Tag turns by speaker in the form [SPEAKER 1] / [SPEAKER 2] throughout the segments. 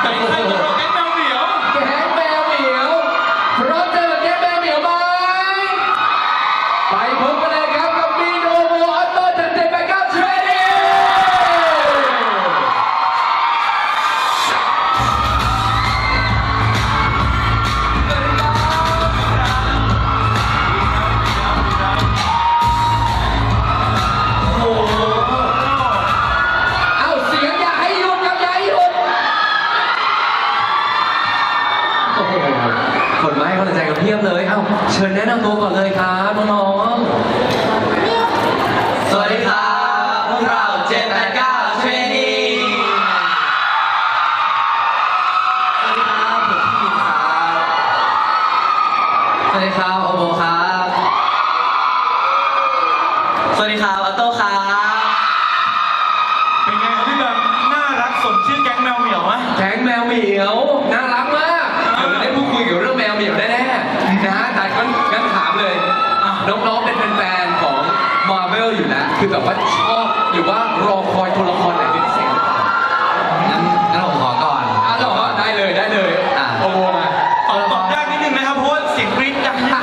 [SPEAKER 1] ใครจะรอแก๊งแมวเหมียว
[SPEAKER 2] แก๊งแมวเหมียวพร้อมเจอกับแก๊งแมวเหมียวไหมไปพบกันเลยครับกับมีโนโมออโต้จันเจ็ดแปดเก้าเทรนนิ่งเอาเสียงอย่าให้หยุดครับอย่าให้หยุดโอ้โหคนมาให้กำลังใจกันเพียบเลย เอ้าเชิญแนะนำตัวก่อนเลยครับน้องๆ
[SPEAKER 3] สวัสดีครับพวกเรา789 Training สวัสดีครับผมพี่มินครับสวัสดีครับโอโบครับ สวัสดีครับออโต้ครับ
[SPEAKER 1] เป็นไงครับพี่แบมน่ารักสมชื่อแก๊งแมวเหมียวไหม
[SPEAKER 2] แก๊งแมวเหมียวน่ารักมากเดี๋ยวได้พูดคุยเกี่ยวกับเรื่องแมวเหมียวแน่ๆนะฮะแต่งั้นถามเลยน้องๆเป็นแฟนๆของ Marvel อยู่แล้วคือแบบว่าชอบหรือว่ารอคอยตัวละครไหนเป็นพิเศษหรือเปล่า
[SPEAKER 3] งั้นผมขอก่อน
[SPEAKER 2] เหรอได้เลย
[SPEAKER 3] อ่ะ
[SPEAKER 2] โอ้โหมา
[SPEAKER 1] ตอบยากนิดนึงนะครับเพราะว่าเสียงกรี๊ดดังมาก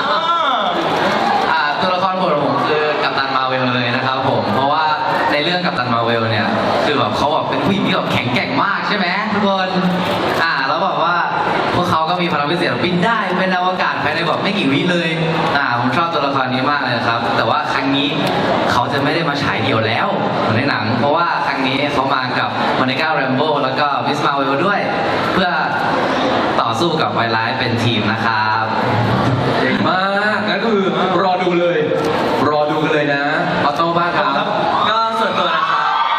[SPEAKER 3] ตัวละครโปรดของผมคือกัปตันมาร์เวลเลยนะครับผมเพราะว่าในเรื่องกัปตันมาร์เวลเนี่ยคือแบบเขาแบบเป็นผู้หญิงที่แบบแข็งแกร่งมากใช่ไหมทุกคนแล้วแบบว่าพวกเขาก็มีพลังพิเศษบินได้เป็นอวกาศภายในแบบไม่กี่วิเลยผมชอบตัวละครนี้มากเลยนะครับแต่ว่าครั้งนี้เขาจะไม่ได้มาฉายเดี่ยวแล้วเหมือนในหนังเพราะว่าครั้งนี้เขามากับมอนิก้าแรมโบ้แล้วก็มิสมาร์เวลด้วย เพื่อต่อสู้กับไวรัสเป็นทีมนะครับ
[SPEAKER 2] เก่งมากงั้นก็คือรอดูกันเลยนะออโต้บ้างครับ
[SPEAKER 3] ก็ส่วนตัวนะครับ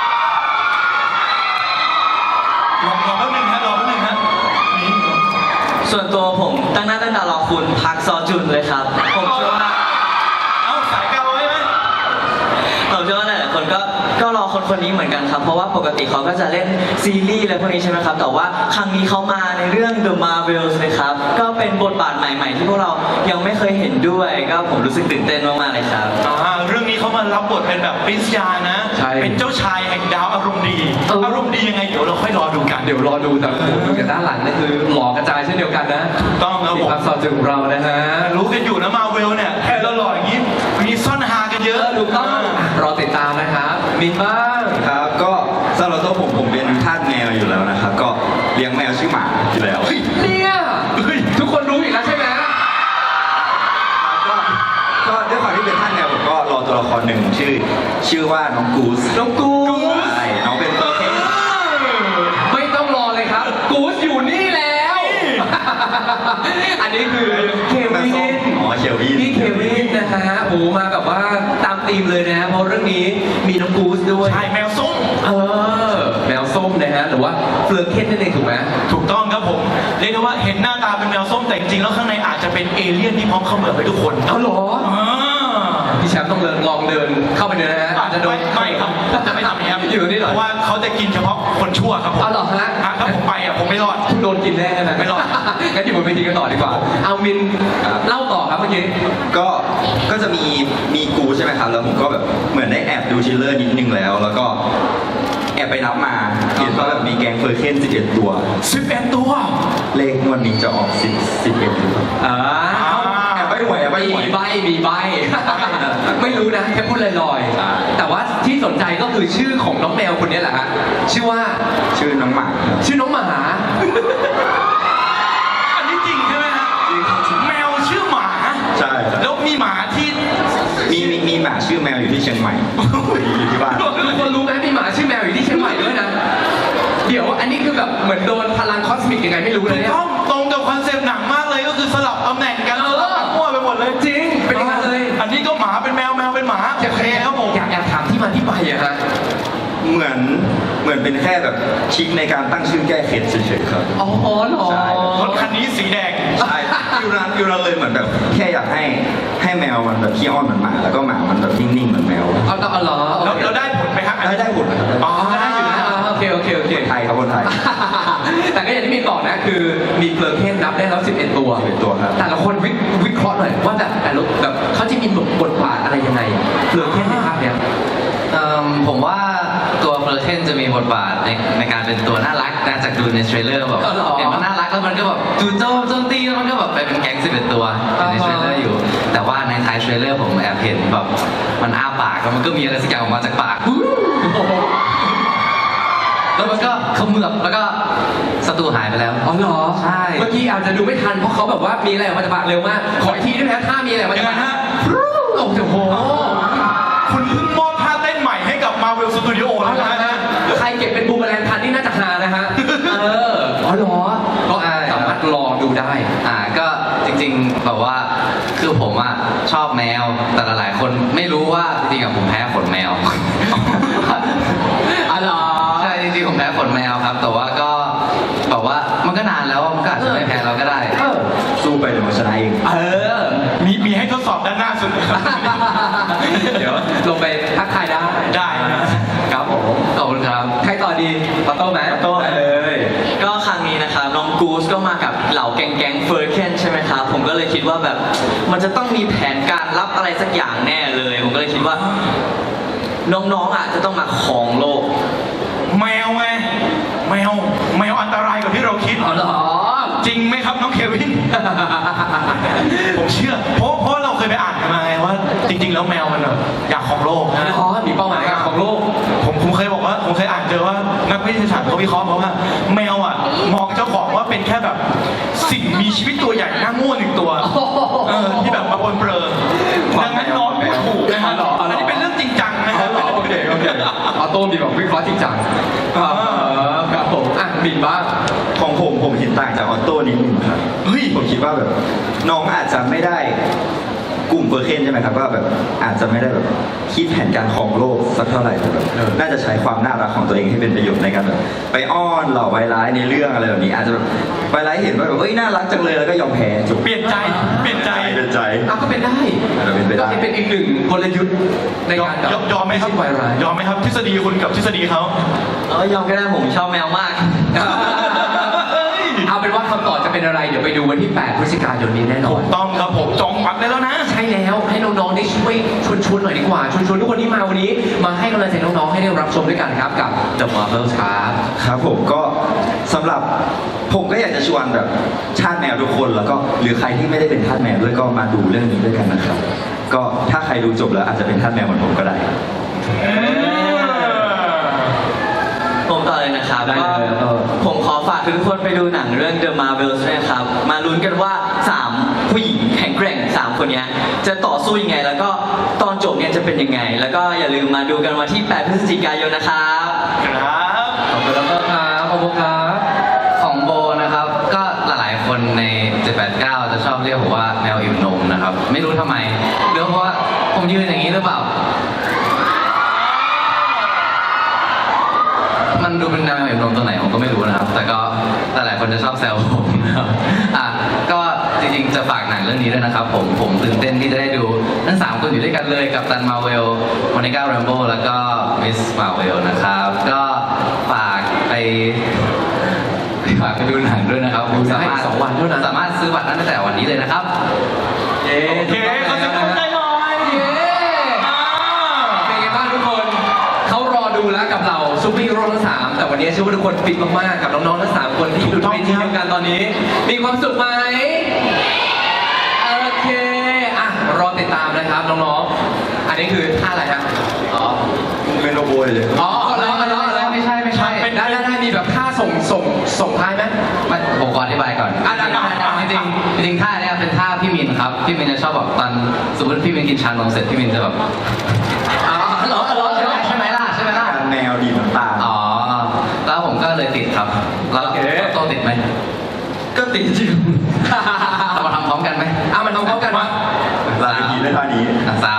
[SPEAKER 1] รอแป๊บนึงฮะนี่
[SPEAKER 3] ส่วนตัวผมตั้งหน้าตั้งตารอคุณพักซอจุนเลยครับผมเชื่อว่า
[SPEAKER 1] เอ้าสายเกาใช่ไหม
[SPEAKER 3] ผมเชื่อว่าหลายๆคนก็รอคนนี้เหมือนกันครับเพราะว่าปกติเขาก็จะเล่นซีรีส์อะไรพวกนี้ใช่ไหมครับแต่ว่าครั้งนี้เขามาในเรื่อง The Marvels เลยครับก็เป็นบทบาทใหม่ๆที่พวกเรายังไม่เคยเห็นด้วยก็ผมรู้สึกตื่นเต้นมากๆเลยครับ
[SPEAKER 1] เรื่องนี้เขามารับบทเป็นแบบปรินซ์ยานะ
[SPEAKER 2] ใช่
[SPEAKER 1] เป็นเจ้าชายแห่งดาวอารมณ์ดี อารมณ์ดียังไงเดี๋ยวเราค่อยรอดูกัน
[SPEAKER 2] เดี๋ยวรอดูแต่โอ้โหดูจากด้านหลังนี่คือหล่อกระจายเช่นเดียวกันนะ
[SPEAKER 1] ถูกต้องครับผม
[SPEAKER 2] พักซอยจึงของเรานะฮะ
[SPEAKER 1] รู้กันอยู่นะมาเวลเนี่ยแค่เราหล่ออย่างนี้มีซ่อนฮากันเยอะ
[SPEAKER 2] ถูกต้องรอติดตามนะครับมินบ้าง
[SPEAKER 4] ครับก็สำหรับตัวผมเป็นทาสแมวอยู่แล้วนะครับ ก็เลี้ยงแมวชื่อหมาอยู่แล้ว
[SPEAKER 2] เนี่ยทุกคนรู้อีกแล้วใช่ไหม
[SPEAKER 4] ก็ด้วยความที่เป็นทาสแมวผมก็รอตัวละครหนึ่งชื่อว่าน้องกูส
[SPEAKER 2] น้องกูส
[SPEAKER 4] ใช่น้องเป็นตัวเท่
[SPEAKER 2] ไม่ต้องรอเลยครับ กูสอยู่นี่แล้ว อันนี้คือเควิน
[SPEAKER 4] อ๋อเควิน
[SPEAKER 2] พี่เควินนะฮะโอ้มาแบบว่าตามธีมเลยนะเพราะเรื่องนี้มีน้องกูสด้วย
[SPEAKER 1] ใช่แมวส้ม
[SPEAKER 2] แมวส้มนะฮะหรือว่าเฟลือเคนนั่นเองถูกไหม
[SPEAKER 1] ถูกต้องครับผมเรียกได้ว่าเห็นหน้าตาเป็นแมวส้มแต่จริงๆแล้วข้างในอาจจะเป็นเอเลี่ยนที่พร้อมเขมือบไปทุกคน
[SPEAKER 2] เอาเหรอ
[SPEAKER 1] อ่า
[SPEAKER 2] พี่แชมป์ต้องลองเดินเข้าไปเลยนะฮะอาจจะโดน
[SPEAKER 1] ไม่ครับจะไม่ทำอย่างนี้ครับ
[SPEAKER 2] อยู่นี่เหรอ
[SPEAKER 1] เพราะว่าเขาจะกินเฉพาะคนชั่วครับผม
[SPEAKER 2] เอาเหรอฮะ
[SPEAKER 1] ถ้าผมไปผมไม่รอด
[SPEAKER 2] โดนกินแน่นะ
[SPEAKER 1] ไม่รอด
[SPEAKER 2] งั้นอยู่บนเวทีกันต่อดีกว่า เอามินเล่าต่อครับเมื่อกี้
[SPEAKER 4] ก็จะมีกูใช่ไหมครับแล้วผมก็แบบเหมือนได้แอบดูทริลเลอร์นิดนึงแล้วก็แอบไปนับมาเห็นว่าแบบมีแก๊งเฟอร์เคน11 ตัว
[SPEAKER 1] 11 ตัว
[SPEAKER 4] เลขงวดนี้จะออก11หรือเปล่า
[SPEAKER 2] อ่า
[SPEAKER 4] แอบไปหวยแอบไปหวย
[SPEAKER 2] มีใบ ไม่รู้นะแค่พูดลอยๆแต่ว่าที่สนใจก็คือชื่อของน้องแมวคนนี้แหละฮะชื่อว่า
[SPEAKER 4] ชื่อน้องหมาครับ
[SPEAKER 2] ชื่อน้องหมา
[SPEAKER 1] อันนี้จริงใช่ไหมฮะแมวชื่อหมา
[SPEAKER 4] ใช่ครับ
[SPEAKER 1] แล้วมีหมาที่
[SPEAKER 4] มีหมาชื่อแมวอยู่ที่เชียงใหม่ อยู่ที่บ้าน
[SPEAKER 2] ทุกคนรู้ไหมมีหมาชื่อแมวอยู่ที่เชียงใหม่ด้วยนะ เดี๋ยวอันนี้คือแบบเหมือนโดนพลังคอสมิกยังไงไม่รู้เลยเนี่ย
[SPEAKER 1] ต้องตรงกับคอนเซปต์หนังมากเลยก็คือสลับตำแหน่งกันสลับกันมั่วไปหมดเลย
[SPEAKER 2] จริงเป็นอย่างนั้นเลย
[SPEAKER 1] อันนี้ก็หมาเป็นแมวแมวเป็นหมาโอเคครับผม
[SPEAKER 2] อยากถามที่มาที่ไปอะฮะ
[SPEAKER 4] เหมือนเป็นแค่แบบทริคในการตั้งชื่อแก้เข็ดเฉยๆครับ
[SPEAKER 2] อ๋อเหรอ
[SPEAKER 4] ใช่
[SPEAKER 1] รถคันนี้สีแดง
[SPEAKER 4] ใช่อยู่นั้นเลยเหมือนแบบแค่อยากให้แมวมันแบบขี้อ้อนเหมือนหมาแล้วก็หมามันแบบนิ่งๆเหมือนแมว
[SPEAKER 2] เอาเหรอ
[SPEAKER 1] แล้วเราได้ผลไหมฮะ
[SPEAKER 4] ได้ผลนะครับ
[SPEAKER 1] อ๋อได้อยู่นะ
[SPEAKER 2] โอเค
[SPEAKER 4] ไทยครับคนไทย
[SPEAKER 2] แต่ก็อย่างที่มีบอกนะคือมีเฟลเคนนับได้แล้ว11 ตัว
[SPEAKER 4] 11 ตัวครับ
[SPEAKER 2] แต่ละคนวิเคราะห์หน่อยว่าแต่ละแบบเขาจะมีบทบาทอะไรยังไงเฟลเคนในภาพเนี้ย
[SPEAKER 3] ผมว่าตัวเฟออร์เคนจะมีบทบาทในการเป็นตัวน่ารักนะจากดูในเทรลเลอร์แบบ
[SPEAKER 2] อ๋อเหรอ
[SPEAKER 3] เห็นมันน่ารักแล้วมันก็แบบจู่โจมตีแล้วมันก็แบบไปเป็นแก๊ง11 ตัวอยู่ในเทรลเลอร์อยู่ แต่ว่าในท้ายเทรลเลอร์ผมแอบเห็นแบบมันอ้าปากแล้วมันก็มีอะไรสักอย่างออกมาจากปาก แล้วมันก็เขมือบแล้วก็ศัตรูหายไปแล้ว
[SPEAKER 2] อ๋อเหรอ
[SPEAKER 3] ใช่
[SPEAKER 2] เมื่อกี้อาจจะดูไม่ทันเพราะเขาแบบว่ามีอะไรออกมาจากปากเร็วมาก ขออีกทีได้ไหมฮะถ้ามีอะไรออกมาจากปาก
[SPEAKER 1] ยังไงฮะ
[SPEAKER 2] โอ้โห
[SPEAKER 1] คุณเพิ่งมอบท่าเต้นใหม่ให้กับ Marvel Studio
[SPEAKER 2] เอา
[SPEAKER 1] แล้ว
[SPEAKER 2] ละ
[SPEAKER 1] นะ
[SPEAKER 2] ฮะใครเก็บเป็นบูมแมลงทันนี่น่าจะหานะฮะ อ๋อเหรอ ก็สามารถลองดูได้
[SPEAKER 3] ก็จริงๆแบบว่าคือผมอะชอบแมวแต่หลายๆคนไม่รู้ว่าจริงๆอะผมแพ้ขนแมว
[SPEAKER 2] อ๋อเหรอ
[SPEAKER 3] ใช่จริงๆผมแพ้ขนแมวครับ แต่ว่าก็แบบว่ามันก็นานแล้วมันก็อาจจะไม่แพ้เราก็ได้
[SPEAKER 4] สู้ไปเดี๋ยวมันชนะเอง
[SPEAKER 1] มีให้ทดสอบด้านหน้าสุดนะครับ
[SPEAKER 2] เดี๋ยวลงไปทักทายได้
[SPEAKER 1] ได้นะครับ
[SPEAKER 2] ผม
[SPEAKER 3] ขอบคุณครับ
[SPEAKER 2] ใครต่อดีปาโต้ไหม
[SPEAKER 4] ปาโต้
[SPEAKER 2] ได้เลย
[SPEAKER 5] ก็ครั้งนี้นะครับน้องกูสก็มากับเหล่าแก๊งเฟอร์เคนใช่ไหมครับผมก็เลยคิดว่าแบบมันจะต้องมีแผนการรับอะไรสักอย่างแน่เลย ผมก็เลยคิดว่า น้องๆอ่ะจะต้องมาของโลก
[SPEAKER 1] แมวไงแมวอันตรายกว่าที่เราคิด
[SPEAKER 2] อ๋อเหรอ
[SPEAKER 1] จริงไหมครับน้องเควิน ผมเชื่อ เพราะเราเคยไปอ่านกันมาไงว่า จริง ๆ แล้วแมวมันแบบอยากของโลกนะ
[SPEAKER 2] อ๋อมีเป้าหมายของโลก
[SPEAKER 1] ผมเคยบอกว่าผมเคยอ่านเจอว่านักวิทยาศาสตร์เขาวิเคราะห์มาว่า แมวอ่ะมองเจ้าของว่าเป็นแค่แบบสิ่งมีชีวิตตัวใหญ่หน้าง่วนหนึ่งตัวที่แบบมาปนเปื้อนดังนั้นน้องพูดถูกนะครับอันนี้เป็นเรื่องจริงจังนะค
[SPEAKER 2] อ๋
[SPEAKER 1] รั
[SPEAKER 2] อบ เหรอโอเคออโต้มีแบบวิเคราะห์จริงจังครับผมอ่ะบินบ้าง
[SPEAKER 4] ของผมเห็นต่างจากออโต้นิดนึงครับ
[SPEAKER 1] เฮ้ย
[SPEAKER 4] ผมคิดว่าแบบน้องอาจจะไม่ได้กลุ่มเฟอร์เคนใช่ไหมครับว่าแบบอาจจะไม่ได้แบบคิดแผนการของโลกสักเท่าไหร่แต่แบบน่าจะใช้ความน่ารักของตัวเองให้เป็นประโยชน์ในการแบบไปอ้อนเหล่าไวร้ายในเรื่องอะไรแบบนี้ อาจจะแบบไวร้ายเห็นว่าแบบเอ้ยน่ารักจังเลยแล้วก็ยอมแพ้จบ
[SPEAKER 1] เปลี่ยนใจ
[SPEAKER 4] เป็นใจ
[SPEAKER 2] ก็เป็นได้
[SPEAKER 4] เป็นไปได้
[SPEAKER 2] ก็เป็นอีกหนึ่งกลยุทธ์ในการแบบ
[SPEAKER 1] ยอมไหมครับ
[SPEAKER 2] ไวรัส
[SPEAKER 1] ยอมไหมครับทฤษฎีคุณกับทฤษฎีเขา
[SPEAKER 5] ยอมก็ได้ผมชอบแมวมาก
[SPEAKER 2] เอาเป็นว่าคำตอบจะเป็นอะไร เดี๋ยวไปดูวันที่ 8 พฤศจิกายนนี้แน่นอ
[SPEAKER 1] ถู
[SPEAKER 2] น
[SPEAKER 1] กต้องครับผมจองบัตรได้แล้วนะ
[SPEAKER 2] ใช่แล้วให้น้องๆได้ช่วยชวนหน่อยดีกว่าชวนทุกคนที่มาวันนี้ มาให้กำลังใจน้องๆให้ได้รับชมด้วยกันครับกับ The Marvels ครับ
[SPEAKER 4] ครับผมก็สำหรับผมก็อยากจะชวนแบบชาติแมวทุกคนแล้วก็หรือใครที่ไม่ได้เป็นทาสแมวด้วยก็มาดูเรื่องนี้ด้วยกันนะครับ ก็ถ้าใครดูจบแล้วอาจจะเป็นทาสแมวเหมือนผมก็ได้
[SPEAKER 5] ผมต่อเลยนะครับ
[SPEAKER 2] ได้เลย
[SPEAKER 5] ก็ผมขอฝากทุกคนไปดูหนังเรื่อง The Marvels ด้วยนะครับ มาลุ้นกันว่า 3 ผู้หญิงแข็งแกร่ง 3 คนเนี้ยจะต่อสู้ยังไง แล้วก็ตอนจบเนี่ยจะเป็นยังไง แล้วก็อย่าลืมมาดูกันวันที่ 8 พฤศจิกายนนะครับ
[SPEAKER 1] ครับ
[SPEAKER 2] ขอบคุณแล้วก็ครับขอบคุณครับ
[SPEAKER 3] ของโบนะครับ ก็หลายๆคนใน 789 จะชอบเรียกผมว่าแมวอิ่มนมนะครับ ไม่รู้ทำไมหรือเพราะว่าผมยืนอย่างนี้หรือเปล่า มันดูเป็นแมวอิ่มนมตัวไหนผมก็ไม่รู้นะครับ แต่ก็หลายๆคนจะชอบแซวผมนะครับก็จริงๆจะฝากหนังเรื่องนี้ด้วยนะครับผมตื่นเต้นที่จะได้ดูทั้ง3คนอยู่ด้วยกันเลยกับตันมาเวลโมนิก้าแรมโบ้แล้วก็มิสมาเวลนะครับ ก็ฝากไปดูหนังด้วยนะครับ
[SPEAKER 2] ดูได้2 วันเท่านั้น
[SPEAKER 3] สามารถซื้อบัตรได้ตั้งแต่วันนี้เลยนะครับ
[SPEAKER 1] โอเคเขาจะต้องได้หน่อย
[SPEAKER 2] เย้เป็นไงบ้างทุกคน เขารอดูแล้วกับเราซูเปอร์ฮีโร่ทั้ง 3 แต่วันนี้เชื่อว่าทุกคนฟิตมากๆ กับน้องๆทั้ง 3 คนที่อยู่ในทีมเดียวกันตอนนี้ มีความสุขไหมโอเค อ่ะ รอติดตามนะครับน้องๆ อันนี้คือท่าอะไรฮะอ๋อ
[SPEAKER 4] เป็นโรโบเลย
[SPEAKER 2] อ๋อแล้ว
[SPEAKER 3] ไม่ใช่
[SPEAKER 2] ได้มีแบบท่าส่งท้ายไหม
[SPEAKER 3] ไม่ผมขออธิบายก่อน จริงท่าเนี้ยเป็นท่าพี่มินครับ พี่มินจะชอบแบบตอนสมมติพี่มินกินชานมเสร็จพี่มินจะแบบ
[SPEAKER 2] อ๋อเหรอ
[SPEAKER 3] ใช่ไหมล่ะ
[SPEAKER 4] แมวดีน้ำตา
[SPEAKER 3] อ๋อ แล้วผมก็เลยติดครับ แล้ว
[SPEAKER 2] โอเค
[SPEAKER 3] โตติดไหม
[SPEAKER 5] ก็ติดอยู่
[SPEAKER 3] เรามาทำพร้อมกันไหม
[SPEAKER 2] มันทำพร้อมกันวะ
[SPEAKER 4] ลาไปทีได้ท่านี้
[SPEAKER 3] 3